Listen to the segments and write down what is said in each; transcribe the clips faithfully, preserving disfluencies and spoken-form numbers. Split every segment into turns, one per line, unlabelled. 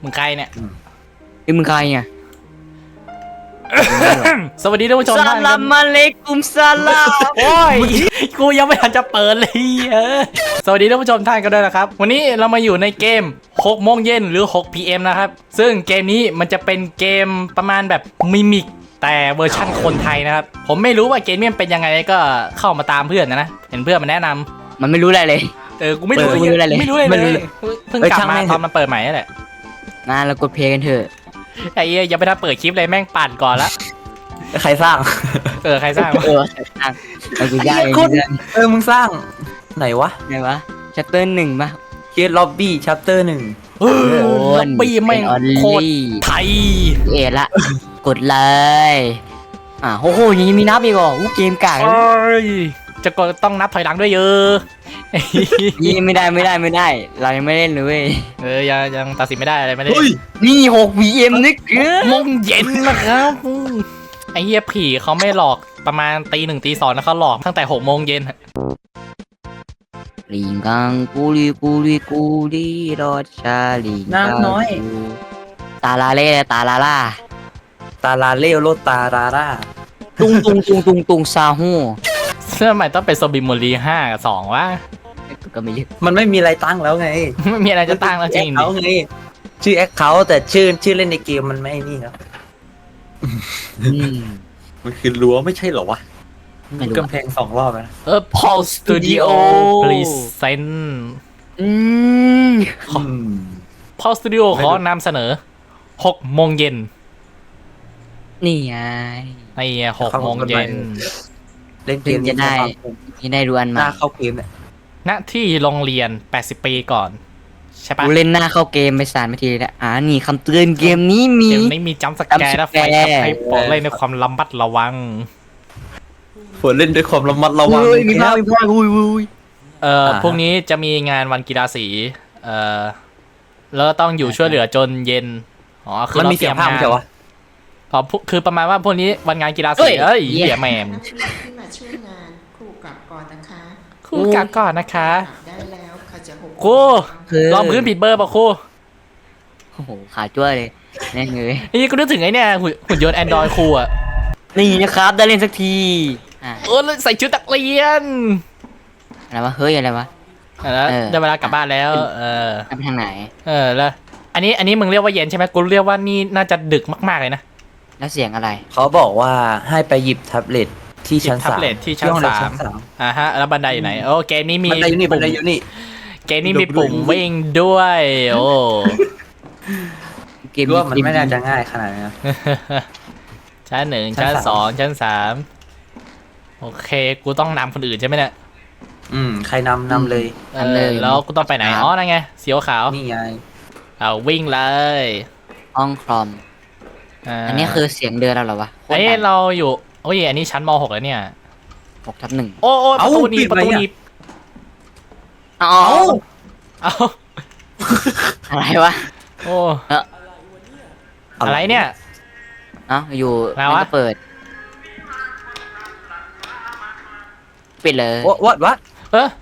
มึงใครเนี่ย
ไอ้มึงใครเนี่ย
สวัสดีท่านผู้ชม
ส
ท่าน
ลามมาเลกุมสลาม
โอ้ยกูยังไม่ทันจะเปิดเลยเออสวัสดีท่านผู้ชมท่านกันด้วยนะครับวันนี้เรามาอยู่ในเกมหกโมงเย็นหรือหก พี เอ็ม นะครับซึ่งเกมนี้มันจะเป็นเกมประมาณแบบมิมิกแต่เวอร์ชั่นคนไทยนะครับผมไม่รู้ว่าเกมนี้มันเป็นยังไงก็เข้ามาตามเพื่อนนะนะเห็นเพื่อนมันแนะนำ
มันไม่รู้อะไรเลย
เออกูไม่รู้
เออไม่รู้อะไรเลย
ไม่รู้อะไร
ไม่รู้
เล
เลย ย
เพิ่ง
เอ้ย
กลับ
ช่าง
มา
แม่ง
ตอนมันเปิดใหม่นั่นแหละ
มาเรากดเพลงกันเถอะ
ไอ้เหี้ยยังไม่ทันเปิดคลิปเลยแม่งปั่นก่อนละ
ใครสร้าง
เออใครสร้างวะ
เอออ่ะเอากูย่าง
ไอ้
ไอ้
คน
เรื่อง
เออมึงสร้างไหนวะ
ไงวะชัปเตอร์หนึ่งป่ะ
เคียร์ล็อบบี้ชัปเตอร์หนึ่ง
เออล็อบบี้แม่ง
เป็นออล
โคตร
ลี่
ไทย
เอละ กดเลยอ่ะโอ้โหยังมีนับอีกเหรออู้เกมกาก
เอ้ยจะก็ต้องนับถอยหลังด้วยเยอะ
นี่ไม่ได้ไม่ได้ไม่ได้ เรายังไม่เล่นเลยเว้ย
เออยังยังตัดสินไม่ได้อะไรไม่ได้
นี่หกวีเอ็มนึกเออ
โมงเย็นนะครับอืมไอ้เหี้ยผีเขาไม่หลอกประมาณตีหนึ่งตีสองนะเขาหลอกตั้งแต่หกโมงเย็น
ลิงกังกูลีกูลีกูลีรอดชาลิงกังตาลาเล่ตาลาล่า
ตาลาเลโลตาราร่า
ตุงตุงตุงตุงตุงซาฮู
เสื้อใหม่ต้องเป็นโซบิมโมลีห้ากับสองวะ
ก็ไม่เยอะ
มันไม่มีอะไรตั้งแล้วไง
ไม่มีอะไรจะตั้งแล้วจริง
เขา
ดิ
ไงชื่อแอคเคาท์แต่ชื่อชื่อเล่นในเกมมันไม่นี่ครับ
อืม
มันคือรั้วไม่ใช่เหรอวะ
ไม่รู้
กำแพงสองรอบนะ
เออ Paul Studio Present
อืม
Paul Studio ขอนำเสนอหกโมงเย็น
นี่ไง
ไอ้หกโมงเย็น
เล่นเกม
จะได้นี่ได้ดูอัน
ห
ใหม่
น้าเข้าเกมเนี่ย
ณที่โรงเรียนแปดสิบปีก่อน ใช่ปะ
กูเล่นหน้าเข้าเกมไปสารไปทีแล้วอ่านี่คำเตือนเกมนี้มี
เดี๋ยวนี้มีจัมป์สแกร์และไฟกระพริบโปรดเล่นในความระมัดระวัง
ฝนเล่นด้วยความระมัดระวัง
เฮ้ยมี
ค
พ่อ
รับ
มีพ่ออุ้ยอุ้ย
เอ่อ
อ่า
พรุ่งนี้จะมีงานวันกีฬาสีเอ่อแล้วต้องอยู่ช่วยเหลือจนเย็นอ๋อคือ
มัน
เรา
มี
เต
เสี
รี
ย
ย
ง
ม
ภาพ
งาน
ใช่วะ
อ๋อพวกคือประมาณว่าพวกนี้วันงานกีฬาสีเอ้ยเหี้ยแมม
นักเรียนที่มาช่วยงานครูกลับก่อนนะคะ
ครูกลับก่อนนะคะ
กลับได้แล้วค่ะจะหก
ครูลองพื้นผิดเบอร์ป่ะครู
โอ้โหขาจ้วยเลยแน่เลย
ไอ้นี่กูนึกถึงไอ้เนี่ยหุ่นหุ่นยนต์แอนดรอยครูอะ
นี่นะครับได้เล่นสักทีอ่ะ
เออแล้วใส่ชุดนักเรียน
อะไรวะเฮ้ยอะไรวะ
อ่ะแล้ว
เออ
ได้เวลากลับบ้านแล้ว เออ
ไปทางไหน
เออแล้วอันนี้อันนี้มึงเรียกว่าเย็นใช่ไหมกูเรียกว่านี่น่าจะดึกมากๆเลยนะ
แล้วเสียงอะไร
เขาบอกว่าให้ไปหยิบแท็บเล็ตที่ชั้น
หยิบแท็
สาม
บเล็ตที่ชั้น
ห้องเรีย
สาม
ชั้น
อ่าฮะแล้วบันไดอยู่ไหนโอ้เกมนี้มี
บันไดอยู่นี่บั
ปุ่
น
ม
ไดอยู่นี่
เกมนี้มีปุ่มวิ่งด้วยโอ้
เกม
รู้ว่ามันไม่น่าจะง่ายขนาดนี้นะ
ชั้นหนึ่ง
ชั้
ชั้น
น
ส
ส
อ
อง ง
ชั้นสามโอเคกูต้องนำคนอื่นใช่ไหมเนี่ย
อืมใครนำนำเลย
เออแล้วกูต้องไปไหนอ๋อนั่นไงสีขาว
นี่ไง
เอาวิ่งเลย
ห้องคอม
า
อันนี้คือเสียงเดินเราเหรอวะโคต
ไอ้
ร
ย
ดัง
เราอยู่โอ้ยอันนี้ชั้นม หกแล้วเนี่ย
หกทับหนึ่ง
โอ้โอ้ประ
เอ้า
ตูหนีบ
ปิด
ประตู
ไว้อะ
หนีบ
อ๋อ
เอ้า
เอา
อะไรวะ
โอ้
เออ
อะไรเนี่ย
เอ้าอยู่
อะไรวะ
มันก็เปิดปิดเลย
วัดวัด
เออ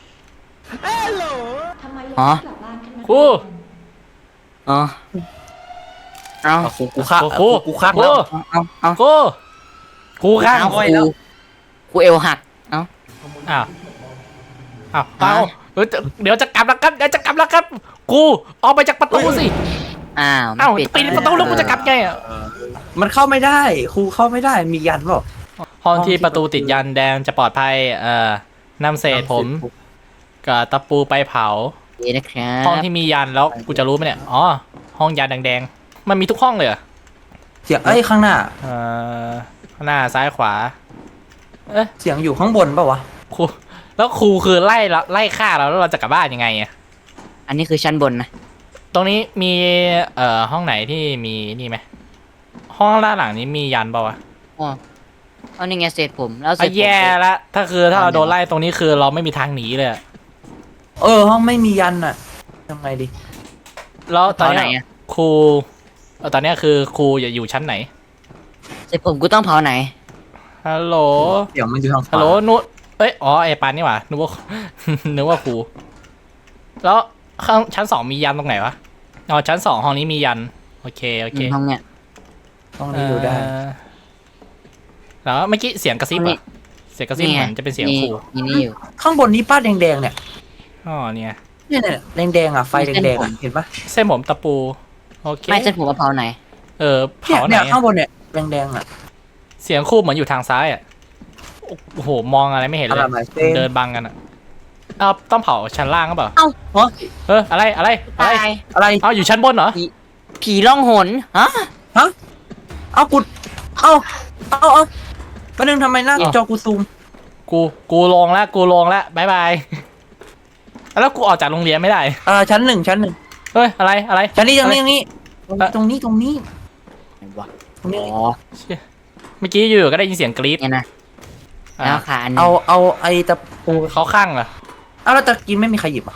อ๋อ
ครู
อ๋อเอา
กูกูคัก
ครู
กูคัก
ครู
แล้ว
เอาเอา
ครูครูข้าง
เอา
โอ้ย
ค
แล้
รู
ว
ครูเอวหักเอา
อ้าวอ้าว
ฮะ
เอาเดี๋ยวจะเดี๋ยวจะกลับแล้วครับเดี๋ยวจะกลับแล้วครับกูออกไปจากประตูสิ
อ้าว
อ้าว
ไม่
ปิดประตูแล้วกูจะกลับไงอ่ะ
มันเข้าไม่ได้ครูเข้าไม่ได้มียันเปล่า
ห้องที่ประตูติดยันแดงจะปลอดภัยเอ่อนำเศษผมกับตะปูไปเผา
ดีนะครับ
ห้องที่มียันแล้วกูจะรู้ไหมเนี่ย อ๋อ ห้องยันแดงๆ มันมีทุกห้องเลยเหรอ
เสียงเอ้ยข้างหน้า
เอ่อข้างหน้าซ้ายขวา เอ๊ะ
เสียงอยู่ข้างบนเปล่าวะ
ครู แล้วครูคือไล่เราไล่ฆ่าเราแล้วเราจะกลับบ้านยังไงอะ
อันนี้คือชั้นบนนะ
ตรงนี้มี เอ่อ ห้องไหนที่มีนี่ไหม ห้องด้านหลังนี้มียันเปล่าวะ
อ๋อเอานี่ไงเศษผมแล้วเศ
อ่ะ
ษผม
แย่ละ ถ้าคือถ้าเราโดนไล่ตรงนี้คือเราไม่มีทางหนีเลยอะ
เออห้องไม่มียันอ่ะทำไงดี
แล้วตอน
เผาไหน
เนี้ย
อะ
ครูเอ่อตอนเนี้ยคือครูจะอยู่ชั้นไหน
เศษผมกูต้องเผาไหน
ฮัลโหล
เสียงมันอยู่ทางขวา
ฮัลโหลนุเอ้ย อ๋อ ไอ้ปานนี่หว่านึกว่า นึกว่าครู แล้วข้างชั้นสองมียันตรงไหนวะอ๋อชั้นสองห้องนี้มียันโอเคโอเค
ห้องเนี้ย
ห้องนี้อยู่ได้
เอ่อแล้วเมื่อกี้เสียงกระซิบ
นี่
อะเสียงกระซิบ
นี่
เห
ไง
มือนจะเป็นเสียง
มี
ครู
มีนี่อยู่
ข้างบนนี้ป้าแดงๆเนี่ย
อ๋อเนี่ย
เนี่ยเนี่ยแดงๆอ่ะไฟแดงๆอ่ะเห็นปะ
เส้นผมตะปูโอเค
ไม่เส้นผมกะเพราไหน
เออ
เนี่ย
เผาไหน
เนี่ยข้า
อะ
งบนเนี่ยแดงๆอ่ะ
เสียงครูเหมือนอยู่ทางซ้ายอ่ะโอ้โหมองอะไรไม่เห็น
อะ
เล
ไร
ย
มาเส้น
เดินบังกันอ่ะเอาต้องเผาชั้นล่างก็เปล่า
เอ้าเหรอ
เอออะไรอะไรอะไร
ตาย
อะไร
เอาอยู่ชั้นบนเหรอ
ผีล่องหนฮะ
เอากุดเอาเอาเอาประเด็นงทำไมหน้าจอกูซูม
กูกูลงแล้วกูลงแล้วบายบายแล้วกูออกจากโรงเรียนไม่ได้
อ่าชั้นหนึ่งชั้นหนึ่ง
เฮ้ยอะไรอะไร
ชั้นนี้ตรงนี้ตรงนี้
เอ่อ
ตรงนี้ตรงนี้
ไหนวะ
ตรงนี้
อ๋อ
เชี่ยเมื่อกี้อยู่ๆก็ได้ยินเสียงกรี๊ด
เนี่ยนะ
อ่ะ
แล้วขาอันหนึง
เอาเอาไอ้ตะปู
เขาข้างเหรอ
เอาแล้วตะกินไม่มีใครหยิบอ่ะ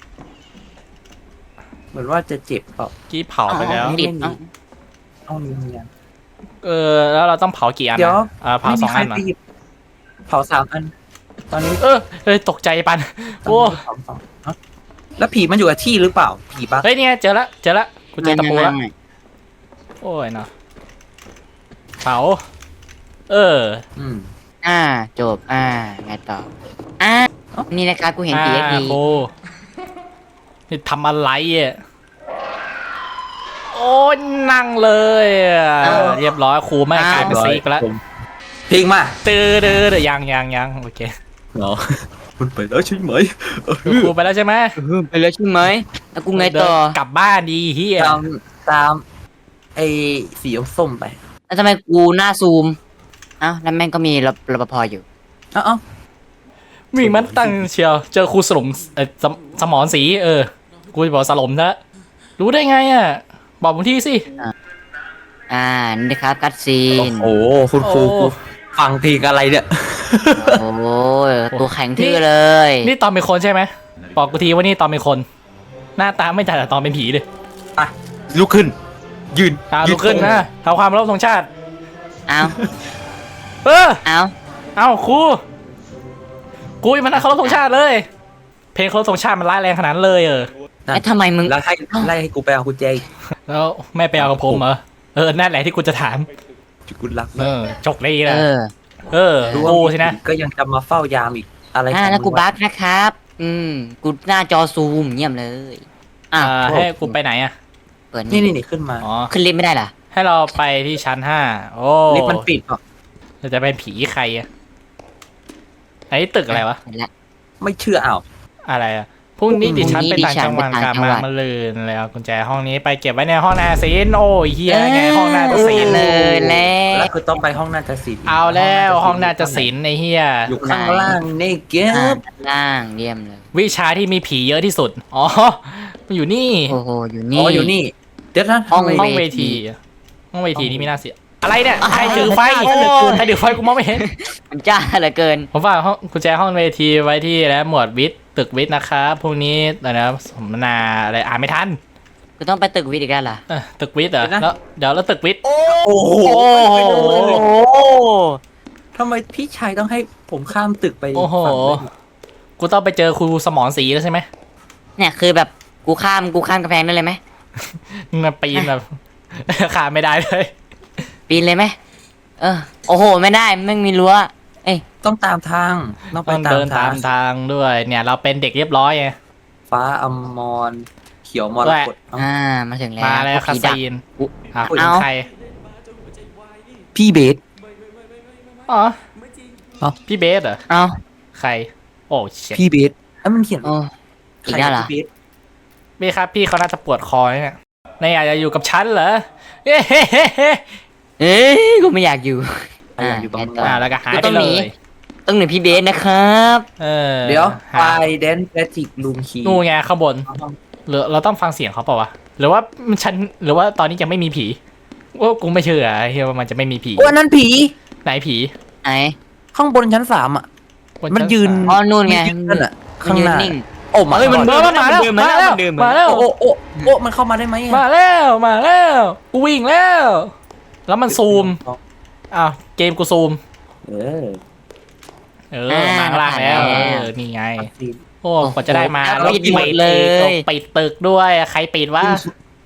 เหมือนว่าจะเจ็บเปล่า
กี้เผาไปแล้ว
ติดเอ้า
ห้องนี้มีอัน
เออแล้วเราต้องเผากี่อัน
เดี๋ยว
นะอ่าเผา
ไม่
ส
มี
อง
ใคร
อันเหรอ
ไปหยิบเผาสามอัน ตอนนี้
เออเอ้ยตกใจปัน
ตอน
โอ้
นี้เผาสองเอ้าแล้วผีมันอยู่กับที่หรือเปล่าผีบัก
เฮ้ยเนี่ยเจอละเจอละกูเจอตะปูแล้ว
ไม่ไม่ไม่
โอ้ยเนาะเผาเออ
อืม
อ่าจบอ่าไงต่ออ่านี่นะครับกูเห็นผี
อ่า
ที
โอ้นี่ทำอะไรอ่ะโอ้ยนั่งเลยอ่ะเรียบร้อยครูไม่กลายเป็นซีกแล้ว
เพลงมา
ตื้อดื้อเดี๋ยวยังยังยังโอเค
เหรอมันไปแล้วใช่ไหม
ครูไปแล้วใช่ไหม
ไปแล้วใช่ไหมแล้วกูไงต่อ
เดินกลับบ้านดีเฮีย
ตามตามไอ้สีส้มไป
แล้วทำไมกูหน้าซูมเอ้าแล้วแม่งก็มีรปรปภอยู่
เอ้าเอ้า
มีมันตั้งเชียวเจอครูสลมเออสมสมอนสีเออกูจะบอกสลมนะรู้ได้ไงอ่ะบอกผมที่สิ
อ่านี่นะครับคัดซีน
โอ้โหคุณครู
โอ้
ฟังเพลงอะไรเนี่ย
โอ้ยตัวแข็งทื่อเลย
นี่ตอนเป็นคนใช่ไหมบอกกูทีว่านี่ตอนเป็นคน หน้าตาไม่ต่างจากตอนเป็นผีเลย
อ่ะลุกขึ้น ยืน
อ่าลุกขึ้นนะทำความเคารพธงชาติ
เอา
เออ
เอา
เอาครูกูยังมันเคารพธงชาติเลย เพลงเคารพธงชาติมันร้ายแรงขนาดนั้นเลยเออ
ไอ้ยทำไมมึง
แล้วให้ไล่ให้กูไปเอากุญแจอีก
แล้วแม่ไปเอากับผมเหรอเออนั่นแหละที่กูจะถาม
จุดกุลัก
เออจกดีนะ
เออ
เออ
รู้ว่า
กูสินะ
ก็ยังจะมาเฝ้ายามอีกอะไร
อ่า
ของ
แล้วกู
มึง
บั๊กนะครับ อืมกูหน้าจอซูมเยี่ยมเลยอ่ะ
อ่าให้กูไปไหนอ่ะ
เปิด
นี่
นี่
นี่นี่ขึ้นมา
อ๋อ
ขึ้นลิฟต์ไม่ได้เหรอ
ให้เราไปที่ชั้นห้าโอ้
ลิฟต์มันปิดเปล่ะ
เราจะเป็นผีใครอะไอ้ตึกอะไรวะ
เห็นแล้ว
ไม่เชื่ออ้าว
อะไรอะพรุ่งนี้ดิฉันไป
พรุ่งนี้
ต่างจังหวัด
ดิฉันไป
กลั
ต่า
บ
งจัง
มา
หวัด
มาลืนแล้วกุญแจห้องนี้ไปเก็บไว้ในห้องนาซีนโอ้ยเฮียไงห้องนาฏศิลป์
เลยแล้
แล้ว วคือต้องไปห้องนาฏศิลป์
เอาแล้วห้องนาฏศิลป์ไอ้เฮีย
อยู่ข้างล่างนี่เก็
อ่า
บ
ด้านล่างเยี่ยมเลย
วิชาที่มีผีเยอะที่สุดอ๋อมันอยู่นี่
โอ้โหอยู่
อ๋
นี่
ออยู่นี่เดี๋ยวนะ
ห้อง
ทำไม
ห้องเว
เวที
ทีห้องเวทีนี่ไม่น่าเสียอะไรเนี่ยใครถือไฟ
โอ้
ใครถือไฟกูมองไม่เห็น
มันจ้าเหลือเกิน
ผมฝากห้องกุญแจห้องเวทีไว้ที่แล้วหมวดวิทย์ตึกวิทย์นะครับพรุ่งนี้อะไรนะสมมนาอะไรอ่านไม่ทัน
กูต้องไปตึกวิทย์อีกแล้วเหรอ
เออตึกวิทย์เหรอแล้วเดี๋ยวแล้วตึกวิทย์
โอ้โห
โอ้โห
ทำไมพี่ชายต้องให้ผมข้ามตึกไป
โอ้โห
ฝั่งนู้น
กูต้องไปเจอครูสมอนสีแล้วใช่ไหม
เนี่ยคือแบบกูข้ามกูข้ามกำแพงได้เลยไหม
มาปีนแบบ ขาไม่ได้เลย
ปีนเลยไหมเออโอ้โหไม่ได้ไม่มีรั้วเอ้ย
ต้องตามทางต้องไป
ต้อง
ตา
เดิ
ม
น
ทา
ตาง มทางด้วย เนี่ยเราเป็นเด็กเรียบร้อยไง
ฟ้าอมรเขียวมรกตเอ้า
อ่ามาถึงแล้ว
มาแล้วคา
ผีดัก
ซีน
อุ๊
อ่ะ
เอา
คุยกับใคร
พี่เบส
อ๋อ
เอ้า
พี่เบสเหรอ
เอา
ใคร โอ้เช็ด
พี่เบสเอ้ยมันเขียน
โอ้อี
ใค
กแล้วเหรอ
พี่เบส
พี่ครับพี่เขาน่าจะปวดคอเนี่ยนายอยากจะอยู่กับฉันเหรอเฮ้เฮ้เฮ้เฮ้
เอ้ยกูไม่อยากอยู่
ใครอยากอยู่ตรง
ไง
นู้น
ต่อ
อ่าแล้วก็หาย
กู
ไป
ต้อง
เล
หนี
ย
ต้องหนีพี่เบสนะครับ
เออ
เดี๋ยว
หา
ไฟแดนแพทริกลุงคี
นู่นไงข้างบนหรือเราต้องฟังเสียงเขาเปล่าวะหรือว่ามันฉันหรือว่าตอนนี้ยังไม่มีผีว่ากูไม่เชื่อเฮียว่ามันจะไม่มีผี
โอ้อันนั้นผี
ไหนผี
ไหน
ข้างบนชั้นสามอ่ะ
บ
มัน
ชั้
ยืน
สาม
อ๋อนู่นไง
มัยืนั่นอ่ะ
มั
ข้าง
ยื
ห
น
น้า
นิ่ง
โอ้มา
เฮ้ยมัน
เออมันมาแล้ว
เดิน
มา
มา
แล้ว
เดินมา
มาแล้ว
โอ้โอ้โอ้มันเข้ามาได้ไหมอะ
มาแล้วมาแล้วกูวิ่งแล้ว แล้วมันซูมอ้าวเกมกูซูม
เออ
เออมาข้างล่างแล้ว
อ่า
เออนี่ไง
ซีน
โอ้กว่าจะได้มา
โอ้โห
แล้ว
ปิดหมด
ปิด
เลย
อีกปิดตึกด้วยใครปิดวะ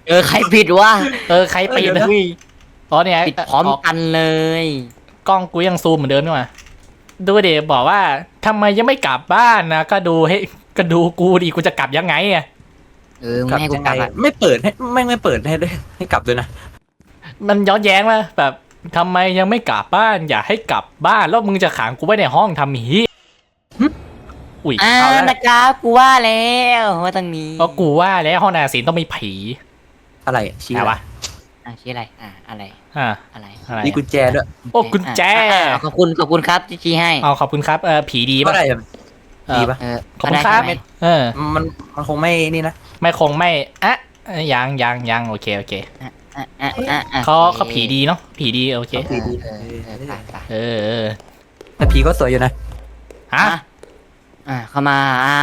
เออใครผิดวะ
เออใครปิดนะอ๋อเนี่ย
ปิดพร้อมกันเลย
กล้องกูยังซูมเหมือนเดิมนี่หว่าดูเดี๋ยวบอกว่าทำไมยังไม่กลับบ้านนะก็ดูให้ก็ดูกูดิกูจะกลับยังไงอะ
เออมึงให้กูกลับอ่ะ
ไม่เปิดให้ไม่ไม่เปิดให้ด้วยให้กลับด้วยนะ
มันย้อนแย้งว่าแบบทำไมยังไม่กลับบ้านอยากให้กลับบ้านแล้วมึงจะขังกูไว้ในห้องทำหีอุ้ย
อ่านะครับกูว่าแล้วว่าตรงนี้
ก็กูว่าแล้วห้องนาศิลป์ต้องมีผี
อะไรอะชี้
อะไรวะ
อ่ะชี้อะไรอ่ะอะไร
อ่า
อะไร
อะไร
นี่กุญแจด้วย
โอ้กุญแจ
อ่ะอ่ะขอบคุณขอบคุณครับที่ชี้ให้
เอาขอบคุณครับเออผีดี
เท่า
ป่ะ
ไหร่อะ
เออ
ดีปะ
เออ
ขอบคุณครับ
ได้ใช่ไหม
เออ
มันมันคงไม่นี่นะ
ไม่คงไม่อะเอ้ยยังยังยังโอเคโอเค
อ่ะอ่ะอ่ะอ่ะอ่ะ
เขา
โอค
เขาผีดีเนาะผีดีโอเค
เออเออเออไปไป
เออเออ
แต่ผีก็สวยอยู่นะ
ฮะ
อ่ะอ่ะเข้ามาอ่า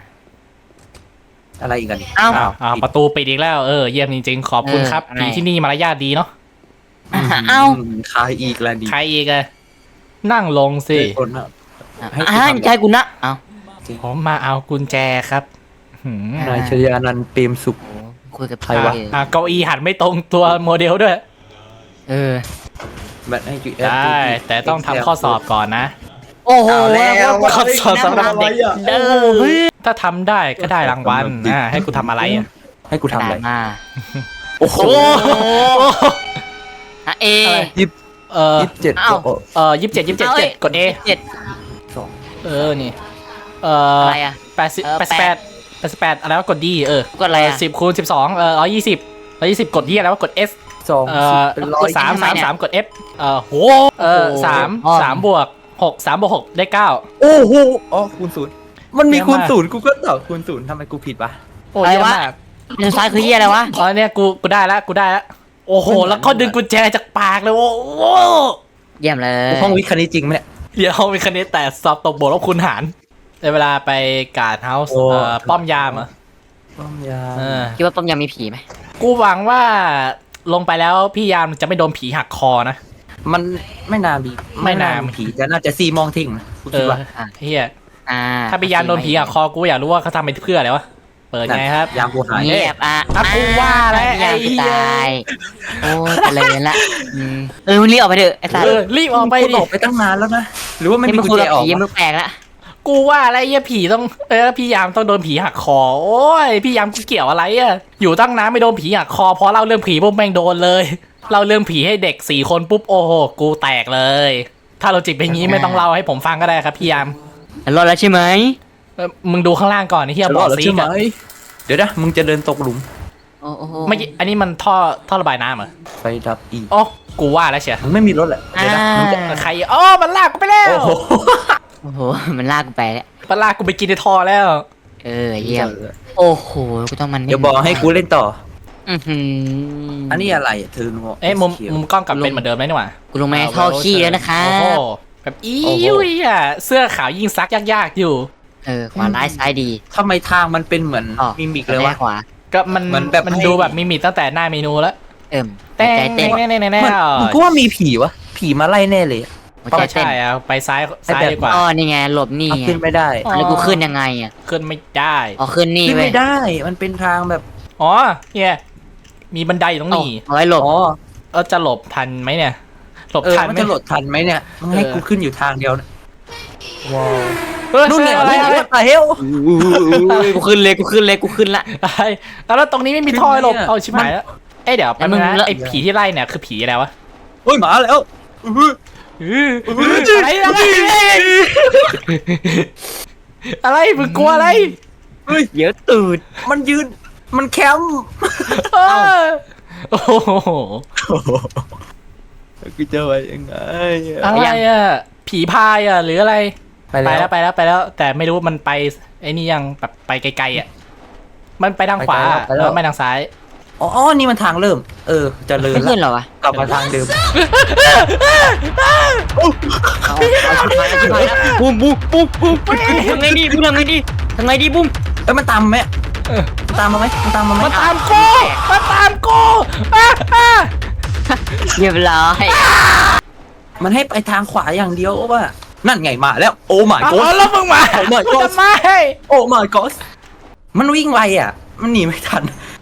อะไรอีกกัน
เอ้า
อ้าวอ้าวประตูปิดอีกแล้วเออเยี่ยมจริงๆขอบคุณครับ
เอออะไร
ผีที่นี่มารยาทดีเนาะ
อ่ะเอ้า
คายอีกแล้วดี
ใครอีกอะนั่งลงสิ
คนอะ
อ่ะ
ให้กู
อ่ะ
ทำ
ใจกูนะเอ้า
ผมมาเอากุญแจครับหืม
นายชยานันท์เปรมสุข
โอ้คุยกับ
ใครวะ
เออ
อ่ะเก้าอี้หันไม่ตรงตัวโมเดลด้วย
เออ
แบบให้จุ
ได้แต่ต้องทำข้อสอบก่อนนะ
โอ้โห
เอาแล้ว
ข้อสอบสำหรับเด็ก
เด้อเฮ้ย
ถ้าทำได้ก็ได้รางวัลอ่าให้กูทำอะไรอ่ะ
ให้กูทำอะไร
มา
โอ้โห
โอ้โห
อ่ะเอ
ยิบ
เออ
ยิบเจ็ด
เอ้า
โอ้
เออยี่สิบเจ็ดยี่สิบเจ็ด
เอาเอ้ย
กด A
เจ็ด
สอง
เออนี่เออ
อะไรอ่ะ
แปดสิบ
เออ
แปดสิบแปดแปดสิบแปดอะไรวะกด D เออก
ดอะไรอ่ะ
สิบคูณสิบสองเออร้อยยี่สิบร้อยยี่สิบกดที่อะไรวะกด S
สอง
เอ่อ
เป็นร้อย
สาม
ทำไม
สาม
เนี่ย
สามกด F เอ่อโหเออ
โอ้โห
สาม
อ้อม
สามบวกหกสามบวกหกได้เก้า
โอ้โหอ๋อคูณศูนย์มันมี
เยอะมาก
คูณศูนย์กูก็ตอบคูณศูนย์ทำไมกูผิดวะ
โอ้
อะไร
เยอะ
วะ
มาก
ด้านซ้ายคือเหี้ยอะไรวะ
อ๋อเนี่ยกูกูได้แล้วกูได้แล้วโอ้โหแล้วก็ดึงกุญแจจากปากเลยโอ้โห
เยี่ยมเลย
ห้องวิทย์คณิตจริงไหมเนี่ย
เดี๋ยวมีคะแนนแต่สอบตกบวกลบคูณหารในเวลาไปการ์ดเฮาส์
โอ้
เอ่อป้อมยามเหรอ
ป้อมยา
เออ
คิดว่าต้มยำมีผีไหม
กูหวังว่าลงไปแล้วพี่ยามจะไม่โดนผีหักคอนะ
มันไม่นาบี
ไม่น่า
ผีแต่น่าจะซีมองทิ้งนะกู
เอ
คิด
อ
ว่า
เฮีย
อ่า
ถ้าพี่ยามโดนผีหักคอกูอยากรู้ว่าเขาทำไปเพื่ออะไรวะเปิดไงครับ
ยามกูหาย
เงียบอ่ะ
อ่ะกูว่าแล้ว
ยาม
ไอ้เหี้ย
ตายโอ้เจริญละอืมเออมึงรีบออกไปเถอะไอ้สัส
เออรีบออกไป
กู
ดิ
ออกไปตั้งนานแล้วนะหรือว่ามัน
นี่
มี
มึง
กุญ
คุย
แจ
กับ
ออก
ผี
วะ
มึงแปลกละ
กูว่าอะไรเฮียผีต้องเออพี่ยามต้องโดนผีหักคอโอ้ยพี่ยามกูเกี่ยวอะไรอะอยู่ตั้งน้ำไม่โดนผีหักคอเพราะเล่าเรื่องผีปุ๊บแม่งโดนเลยเล่าเรื่องผีให้เด็กสี่คนปุ๊บโอ้โหกูแตกเลย ถ้าเราจิตเป็นงี้ไม่ต้องเล่าให้ผมฟังก็ได้ครับพี่ยาม
รอดแล้วใช่ไหม
เออมึงดูข้างล่างก่อนไอ้เฮีย
จะ
บ
ร
อ
อด
ก
แล้ว
ซี
ใช่ไหม
กอะ
เดี๋ยวนะมึงจะเดินตกหลุม
โอ้โห
เมื่อกี้อันนี้มันท่อท่อระบายน้ำเหรอ
ไฟดับอีก
โอ้กูว่าแล้วเชียว
มึงไม่มีรถแหละ
อ่า
เดี๋ยวนะมึงจะ
ใครอ๋อมันลากกูไปแล้ว
โอ้โห
โอ้โหมันลากกูไปแล้ว
มันลากกูไปกินในท่อแล้ว
เออเยี่ยมโอ้โหกูต้องมัน
เดี๋ยวบอกให้กูเล่นต่อ
อือหือ
อั
อั
นนี้อะไรอะเธอโง่
เอ้ยมุมมุมกล้องกลับเป็นเหมือนเดิมไหมนี่หว่า
กูลงมาในท่อขี้แล้วนะคะ
โอ้โหแบบอียุยอ่ะเสื้อขาวยิ่งซักยากๆอยู่
เออขวาร้ายซ้ายดี
ทำไมทางมันเป็นเหมือน
อ๋อ
มิมิกเลยวะ
ขวา
ก็มัน
มันแบบ
มัน
ให้
ดูแบบมิมิตั้งแต่หน้าเมนูแล้ว
เอิ่ม
แต่
ใจเต้น
แน่แน่แน่แน่
มันมันก็ว่ามีผีวะผีมาไล่แน่เลยอะ
หัว
ก็
ใจเต้น
ใช่อ่ะไปซ้ายซ้ายดีกว่า
อ๋อนี่ไงหลบนี่
เอา
ไง
ขึ้นไม่ได้
อ๋อ
แล้วกูขึ้นยังไงอ่ะ
ขึ้นไม่ได้
อ๋อขึ้นนี่
ขึ้น
เว้ย
ไม่ได้ มันเป็นทางแบบ
อ๋อเนี่ยมีบันไดอยู่ตรง
เอา
นี้
เอาไว้หลบ
อ๋อ
เออจะหลบทันไหมเนี่ยหลบ
เออ
ทัน
มัน
ไหม
จะโหลดทันไหมเนี่ยมึงให้
เออ
กูขึ้นอยู่ทางเดียวนะว้าว
เฮ้ย
นู่นเนี่ย
อะไรอะไร
what the hell
กูขึ้นเลยกูขึ้นเลยกูขึ้นละ
อะไรแล้วตรงนี้ไม่มีท่อให้หลบ
เนี่ย
เอาชิบหายแล้วเอ้ยเดี๋ยวแป๊บนึง
แล้วมึง
นะไอ้ผีที่ไล่เนี่ยคือผีอะไรวะ
เฮ้ยหมาแล้วอื้อ
อืออะไรอะไรอะไรมึงกลัวอะไร
เฮ้ย
เดี๋ยวตูด
มันยืนมันแคมป์
เออโอ้โห
กูจะไปยังไง
อะไรอ่ะผีพายอ่ะหรืออะไร
ไป
ไป
แล้
แล้ว วไปแล้วไปแล้ว แต่ไม่รู้มันไปไอ้นี่ยังแบบไปไกลๆอ่ะมันไปทางขวา
ไปแล้ว
แล้วไม่ทางซ้าย
อ๋ออ๋อนี่มันทางเริ่ม เออเจะเลิ
ไม่
น
ขึ้น
ละ
เหรอวะ
กลับมาทางเดิม
เอาเอาชิบหายแล้วชิบหายแล้วบูมบูมบูมบูมทำไงดีบูมทำไงดีทำไงดีบูม
เอ้ยมันตามมาไหม
เออ
มันตามมาไหมมันตามมาไหม
มาตามกูมาตามกูอ่ะอ่ะ
เรียบร้อย
มันให้ไปทางขวาอย่างเดียวว่านั่นไงมาแล้ว โอ้ my
เอา
god
แล้วมึงมา
โอ้ my
กู
god
จะมาให้
โอ้ my god มันวิ่งไวอ่ะ มันหนีไม่ทัน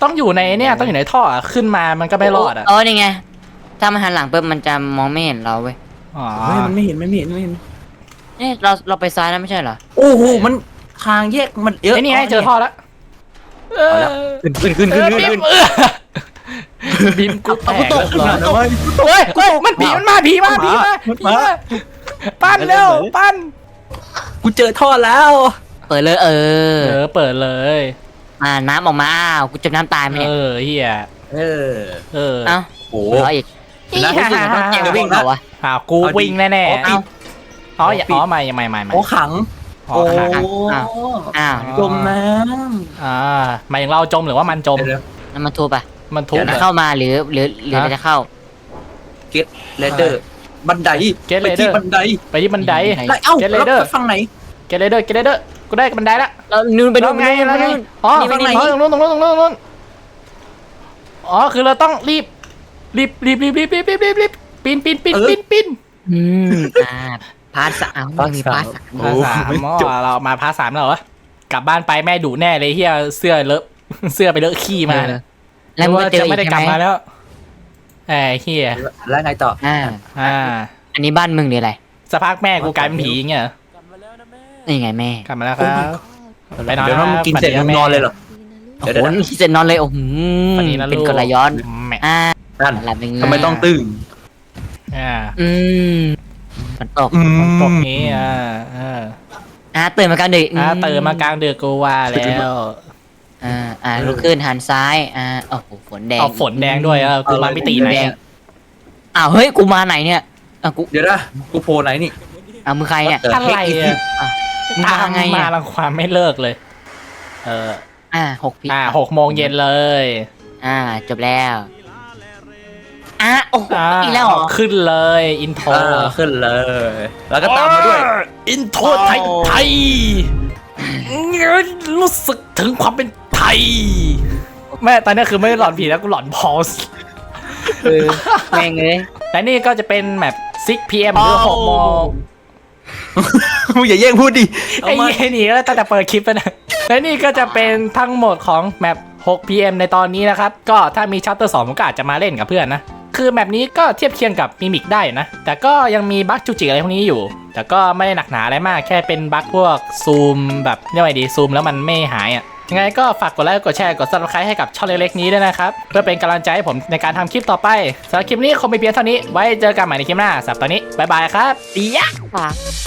ต้องอยู่ในเนี่ยต้องอยู่ในท่ออะขึ้นมามันก็ไม่รอดอ่ะ
เออนี่ไงถ้ามันหันหลังปุ๊บมันจะมองไม่เห็นเราเว้ย
อ๋อ
เฮ้ยมันไม่เห็นมันไม่เห็นไม่เห็น
เนี่ยเราเราไปซ้ายแล้วไม่ใช่เหรอ
โอ้โหมันทางแยกมันเยอะ
ไอ้นี่ไงเจอท่อแล้วเออ
ขึ้นขึ้นขึ้น
เอ
ขึ้น
อ
ขึ้น
บีมเออบีมกูแต
เอา
ก
กูตก
แล้ว
เหรอ
เฮ้ยเฮ้ยมันผีมันมาผีมาผีมาผีมาปั้นเร็วปั้น
กูเจอท่อแล้ว
เปิดเลยเออ
เออเปิดเลย
อ่าน้ำออกมาอ้าวกูจมน้ำตายไหม
เอ
เนี่ย
อเฮีย
เออ
เออ
เอ้า
โอ้
รออีก
อี
แล้ว
ห่า
รู้สึกว่าต้อง
แก
เก่ง
วิ่งเหรอวะ
อ้าวกูวิ่งแน่แน่
อ๋อปิด
อ๋ออย่าอ๋อไม่ไม่ไม่ไม่
โอ้ขัง
อ๋อ
โอ้
ขนาดนั้น
อ้าวอ้าว
จมน้
อ่าหมายถึงเราจมหรือว่ามันจ
ำ
ม
เดี๋ยว
น้ำมันทูบอ่ะ
มันทุบ
เดี๋ยว
เหร
นะ
อ
เข้ามาหรือหรือหรือ
ฮะ
เราจะเข้า
เก็ตเลเดอร์บันได
Get
ไปที่
Ladder
บันได
ไปที่บันได
ไหน
แล้วเอ้า
Get
แล้ว
Ladder
ไปฝั่งไหน
เกเรเดอร์เกเรเดอร์กูได้บันไดละ
เรานู่นไป
แล้
นู่
วน
ไป
ไง
นู่น
แล้ว
ไป
ไง
นู่น
อ๋อ
นี่
ตรง
ไป
นี้
นี่
ตรงนู้นตรงนู้นตรงนู้นตรงนู้นอ๋อคือเราต้องรีบรีบรีบรีบรีบรีบรีบรีบรีบปีนปีนปีนปีนปีน
อืมอ่าพาร์ทสามมีพาร์ทสาม
พาสามอ๋อเรามาพาสามแล้วเหรอกลับบ้านไปแม่ดุแน่เลยเฮียเสื้อเลอะเสื้อไปเลอะขี้มา
แล้วมึงก็เจอ
จะ
อี
ไม่
ก
ได้
ใช่
กลับ
ไหม
มาแล้วไอ้เฮีย
แล้วไงต่อ
อ่า
อ่า
อันนี้บ้านมึงหรืออะไร
สักพักแม่กูกลายเป็นผีอย่างเงี้ยเหรอ
นี่ไงแม่
กลับมาแล้วครับไปนอน
เดี๋ยวน้องมึงกินเสร็จ
ฝั
มึง
ดีะ
นอนเลยเหรอ
โอ้
เดี๋ยว
โห
เดี๋ยว
นี่เสร็จนอนเลยโอ้โห
ฝันดีนะลู
เป็น
ก
กลย้อน
แม่
อ่า
นั่น
หลับเป็นไง
ทำไมต้องตึง
อ่า
อืมฝนตก
อืม
ฝนตกนี้อ่าอ่า
อ่าตื่นมากลางดึก
อ่าตื่นมากลางดึกกูว่าแล้ว
อ่าอ่าลุกขึ้นหันซ้ายอ่าโอ้โหฝนแดง
เอาฝนแดงด้วยเออกูมาไม่ตีไหน
แดงอ้าวเฮ้ยกูมาไหนเนี่ยอ่ะกู
เดี๋ยวนะกูโผล่ไหนนี่
อ่ะมึงใครเนี่ย
อะไรอ่ะ
อ่ะมึง
ตาม
มาไง
มา
อ่ะ
ลังความไม่เลิกเลย เออ
อ่าหกพี
อ่าหกโมงเย็นเลย
อ่าจบแล้วอ่ะโอ้โห
อ่า
อีกแล้วเหรอ
ขึ้นเลยอินโทร
เออขึ้นเลย แล้วก็ตามมาด้วย
อินโทรไทยไทยรู้สึกถึงความเป็นไทย แม่ตอนนี้คือไม่ได้หลอนผีแล้วกูหลอนพอส
เออแม่งเลย
และนี่ก็จะเป็นแบบ ซิก พี เอ็ม หรือหกโมง
มึงอย่าแย่งพูดดิ
ไอ้เหี้ยนี่ก็ตั้งแต่เปิดคลิปแล้วนะและนี่ก็จะเป็นทั้งหมดของแมป หก พี เอ็ม ในตอนนี้นะครับ ก็ถ้ามีชัปเตอร์สองผมก็อาจจะมาเล่นกับเพื่อนนะ คือแมปนี้ก็เทียบเคียงกับมิมิกได้นะ แต่ก็ยังมีบั๊กจุกจิกอะไรพวกนี้อยู่ แต่ก็ไม่ได้หนักหนาอะไรมาก แค่เป็นบั๊กพวกซูมแบบเรียกว่าไงดีซูมแล้วมันไม่หายอ่ะ ยังไงก็ฝากกดไลค์กดแชร์กด ซับสไครบ์ ให้กับช่องเล็กๆนี้ด้วยนะครับ เพื่อเป็นกำลังใจให้ผมในการทำคลิปต่อไปสำหรับคลิปนี้คงไม่เพียงเท่านี้ ไว้เจอกันใหม่ในคลิปหน้าสำหรับตอนนี้บ๊ายบายครับ
เดียก